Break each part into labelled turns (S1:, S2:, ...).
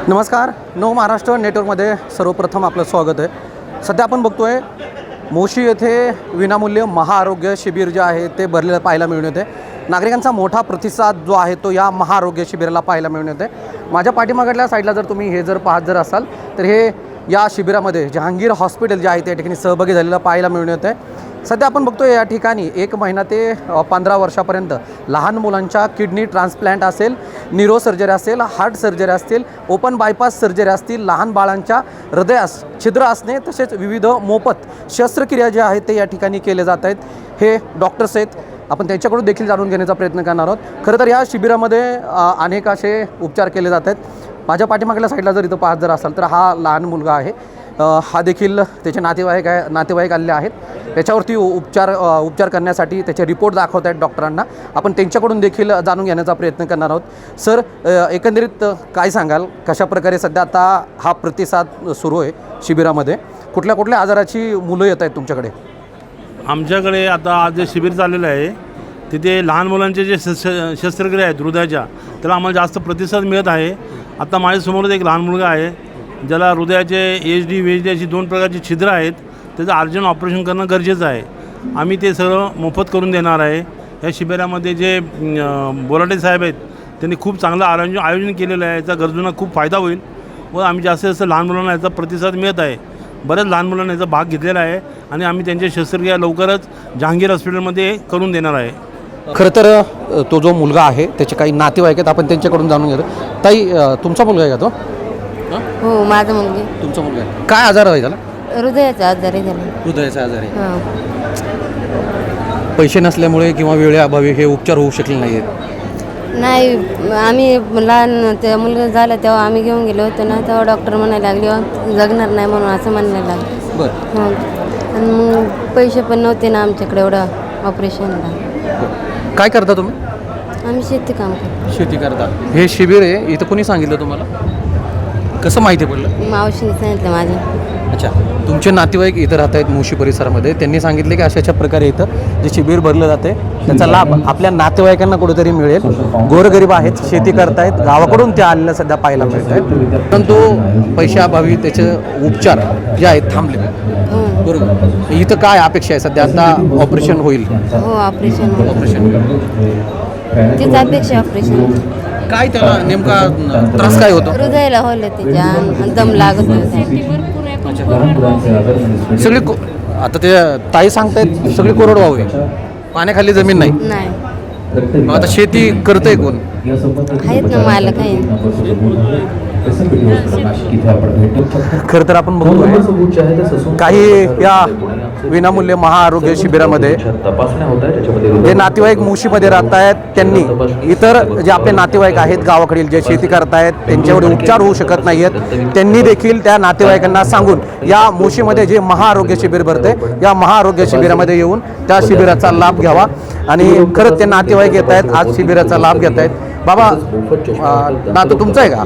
S1: नमस्कार, नव महाराष्ट्र नेटवर्कमध्ये सर्वप्रथम आपलं स्वागत आहे। सध्या आपण बघतोय मोशी येथे विनामूल्य महाआरोग्य शिबिर जे आहे ते भरलेलं पाहायला मिळून येते। नागरिकांचा मोठा प्रतिसाद जो आहे तो या महाआरोग्य शिबिराला पाहायला मिळून येते। माझ्या पाठीमागल्या साईडला जर तुम्ही हे पाहत असाल तर हे या शिबिरामध्ये जहांगीर हॉस्पिटल जे आहे त्या ठिकाणी सहभागी झालेलं पाहायला मिळून येते। सध्या आपण बघतोय या ठिकाणी 1 महिना ते 15 वर्षापर्यंत लहान मुलांच्या किडनी ट्रान्सप्लांट असेल, न्यूरो सर्जरी असेल, हार्ट सर्जरी असतील, ओपन बायपास सर्जरी असतील, लहान बाळांच्या हृदयास छिद्र असणे तसेच विविध मोफत शस्त्रक्रिया ज्या आहेत ते या ठिकाणी केले जात आहेत। हे डॉक्टर्स आहेत, आपण त्यांच्याकडून देखील जाणून घेण्याचा प्रयत्न करणार आहोत। खरं तर या शिबिरामध्ये अनेक असे उपचार केले जात आहेत। माझ्या पाठीमागल्या साईडला जर इथं पाहत असाल तर हा लहान मुलगा आहे, हा देखील त्याचे नातेवाईक आलेले आहेत। त्याच्यावरती उपचार करण्यासाठी त्याचे रिपोर्ट दाखवत आहेत डॉक्टरांना। आपण त्यांच्याकडून देखील जाणून घेण्याचा प्रयत्न करणार आहोत। सर, एकंदरीत काय सांगाल, कशाप्रकारे सध्या आता हा प्रतिसाद सुरू आहे शिबिरामध्ये? कुठल्या कुठल्या आजाराची मुलं येत आहेत तुमच्याकडे?
S2: आमच्याकडे आता आज जे शिबिर चाललेलं आहे तिथे लहान मुलांचे जे शस्त्रक्रिया आहेत हृदयाच्या, त्याला आम्हाला जास्त प्रतिसाद मिळत आहे। आता माझ्यासमोरच एक लहान मुलगा आहे ज्याला हृदयाचे HD VHD अशी 2 प्रकारची छिद्र आहेत, त्याचं अर्जंट ऑपरेशन करणं गरजेचं आहे। आम्ही ते सगळं मोफत करून देणार आहे। या शिबिरामध्ये जे बोराटे साहेब आहेत त्यांनी खूप चांगलं आयोजन केलेलं आहे। याचा गरजूंना खूप फायदा होईल व आम्ही जास्तीत जास्त लहान मुलांना याचा प्रतिसाद मिळत आहे। बऱ्याच लहान मुलांना याचा भाग घेतलेला आहे आणि आम्ही त्यांच्या शस्त्रक्रिया लवकरच जहांगीर हॉस्पिटलमध्ये करून देणार आहे।
S1: खरं तर तो जो मुलगा आहे त्याचे काही नातेवाईक आहेत, आपण त्यांच्याकडून जाणून घेतो। ताई, तुमचा मुलगा आहे का तो?
S3: हो, माझा मुलगी।
S1: तुमचा मुलगा आहे, काय आजार आहे त्याला?
S3: हृदयाचा आजार आहे त्याला।
S1: हृदयाचा आजार आहे। पैसे नसल्यामुळे किंवा वेळेअभावी हे उपचार होऊ शकले नाही आहेत?
S3: नाही, आम्ही लहान त्या मुलगा झाला तेव्हा आम्ही घेऊन गेलो होतो ना, तेव्हा डॉक्टर म्हणायला लागले जगणार नाही म्हणून असं म्हणायला लागले।
S1: बरं,
S3: हां, आणि मग पैसे पण नव्हते ना आमच्याकडे एवढं ऑपरेशनला।
S1: काय करता तुम्ही?
S3: आम्ही शेती काम करतो।
S1: शेती करता। हे शिबिर आहे इथं कोणी सांगितलं तुम्हाला? कसं माहिती पडलं?
S3: मावशीने सांगितलं माझ्या।
S1: अच्छा, तुमचे नातेवाईक इथं राहत आहेत मोशी परिसरामध्ये, त्यांनी सांगितले की अशा प्रकारे इथं जे शिबिर भरलं जाते त्याचा लाभ आपल्या नातेवाईकांना कुठेतरी मिळेल। गोरगरीब आहेत, शेती करतायत, गावाकडून ते आलेलं सध्या पाहायला मिळत आहेत, परंतु पैशाअभावी त्याचे उपचार जे आहेत थांबले। बरोबर, इथं काय अपेक्षा आहे सध्या? आता ऑपरेशन होईल?
S3: हो, ऑपरेशन तीच अपेक्षा। ऑपरेशन
S1: काय त्याला नेमका त्रास काय होतो?
S3: हृदयाला होलं त्याच्या, दम लागत होता।
S1: सगळी आता ते ताई सांगतायत सगळी कोरडवाहू आहे, पाण्याखाली जमीन नाही। मग आता शेती करतंय कोण?
S3: आहेत ना मालक आहे।
S1: खरं तर आपण बघतोय काही या विनामूल्य महाआरोग्य शिबिरामध्ये जे नातेवाईक मोशीमध्ये राहत आहेत त्यांनी इतर जे आपले नातेवाईक आहेत गावाकडील जे शेती करतायत त्यांच्यावर उपचार होऊ शकत नाही आहेत, त्यांनी देखील त्या नातेवाईकांना सांगून या मोशीमध्ये जे महाआरोग्य शिबिर भरते या महाआरोग्य शिबिरामध्ये येऊन त्या शिबिराचा लाभ घ्यावा। आणि खरंच ते नातेवाईक येत आहेत, आज शिबिराचा लाभ घेत आहेत। बाबा, नातू तुमचा आहे का?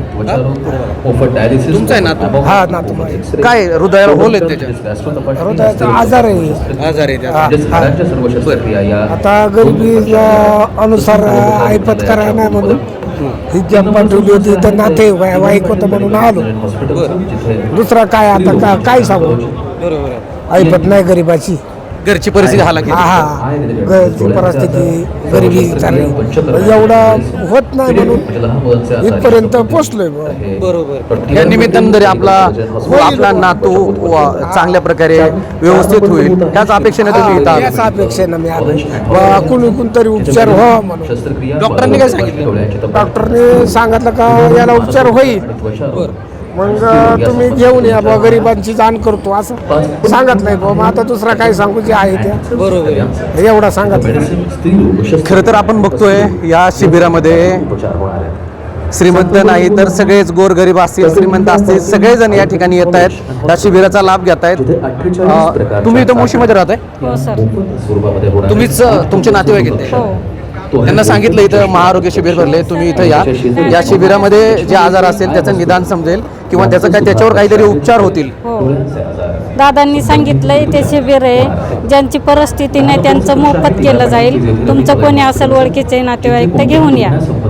S1: तुमचा आहे नातू?
S4: हा, नातू।
S1: काय हृदयाला होल आहेत त्याच्या?
S4: हृदयाचा आजार आहे।
S1: आजार आहे त्याचा?
S4: आता गरिबी अनुसार ऐपत करायला नाही म्हणून ही जब पाठवली होती तर नाते वाईक होतं म्हणून आलो। दुसरा काय आता काय सांगू?
S1: बरोबर,
S4: ऐपत नाही गरिबाची,
S1: घरची परिस्थिती हालाकी।
S4: हा, घरची परिस्थिती गरिबी चालली, एवढं होत नाही म्हणून इथपर्यंत पोचलोय।
S1: बरोबर, या निमित्तानं जरी आपला नातू चांगल्या प्रकारे व्यवस्थित होईल त्याच अपेक्षेने तुम्ही इथं?
S4: याच अपेक्षेनं मी आलो, कुणी तरी उपचार व्हावा म्हणून।
S1: डॉक्टरांनी काय सांगितलं?
S4: डॉक्टरने सांगितलं का याला उपचार होईल, मग तुम्ही घेऊन या बा, गरिबांची जाण करतो असं सांगितलंय बा। मग आता दुसरा काय सांगू जे आहे त्या?
S1: बरोबर,
S4: एवढा सांगितलं।
S1: खरं तर आपण बघतोय या शिबिरामध्ये श्रीमंत नाही तर सगळेच गोरगरीब असतील, श्रीमंत असतील, सगळेजण या ठिकाणी येत आहेत, या शिबिराचा लाभ घेत आहेत। तुम्ही इथं मोशीमध्ये राहताय?
S5: हो सर।
S1: तुम्हीच तुमचे नातेवाईक येते? त्यांना सांगितलं इथं महाआरोग्य शिबिर भरले, तुम्ही इथं या शिबिरामध्ये जे आजार असेल त्याचं निदान समजेल किंवा त्याच्यावर काहीतरी उपचार होतील।
S5: हो, दादांनी सांगितलंय ते शिबिर आहे, ज्यांची परिस्थिती नाही त्यांचं मोफत केलं जाईल। तुमचं कोणी असेल ओळखीचे नातेवाईक तर घेऊन या।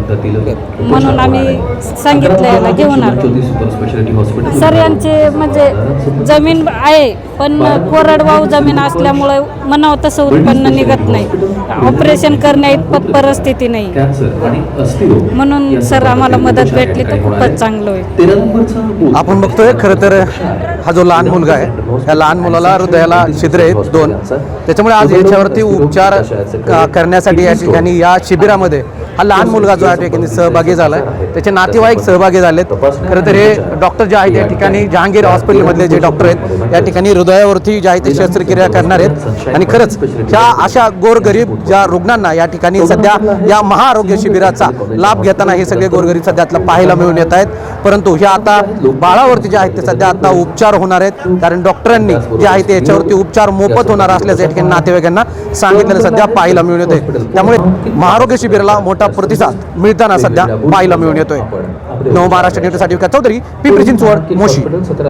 S5: म्हणून आम्ही सांगितलं याला घेऊन आलो. सर यांचे म्हणजे जमीन आहे पण कोरडवाहू जमीन असल्यामुळे म्हणावं तसं उत्पन्न निघत नाही. ऑपरेशन करण्या इतपत परिस्थिती नाही. म्हणून सर आम्हाला मदत भेटली तर खूपच चांगलं होईल.
S1: आपण बघतोय खरं तर हा जो लहान मुलगा आहे या लहान मुलाला हृदयाला छिद्र आहेत 2. त्याच्यामुळे आज याच्यावरती उपचार करण्यासाठी या ठिकाणी या शिबिरामध्ये हा लहान मुलगा जो या ठिकाणी सहभागी झाला आहे. त्याचे नातेवाईक सहभागी झालेत. खरं तर हे डॉक्टर जे आहेत या ठिकाणी जहांगीर हॉस्पिटलमधले जे डॉक्टर आहेत या ठिकाणी हृदयावरती जे आहे ते शस्त्रक्रिया करणार आहेत. आणि खरंच ह्या अशा गोरगरीब ज्या रुग्णांना या ठिकाणी सध्या या महाआरोग्य शिबिराचा लाभ घेताना हे सगळे गोरगरीब सध्या आपल्याला पाहायला मिळून येत आहेत. परंतु हे आता बाळावरती जे आहेत ते सध्या आता उपचार होणार आहेत. कारण डॉक्टरांनी जे आहे ते याच्यावरती उपचार मोफत होणार असल्याचं या ठिकाणी नातेवाईकांना सांगितलेलं सध्या पाहायला मिळून येते. त्यामुळे महाआरोग्य शिबिराला मोठा प्रतिसाद मिळताना सध्या पाहायला मिळून येतोय. नव महाराष्ट्र न्यूजसाठी विकास चौधरी, पिंपरी चिंचवड, मोशी.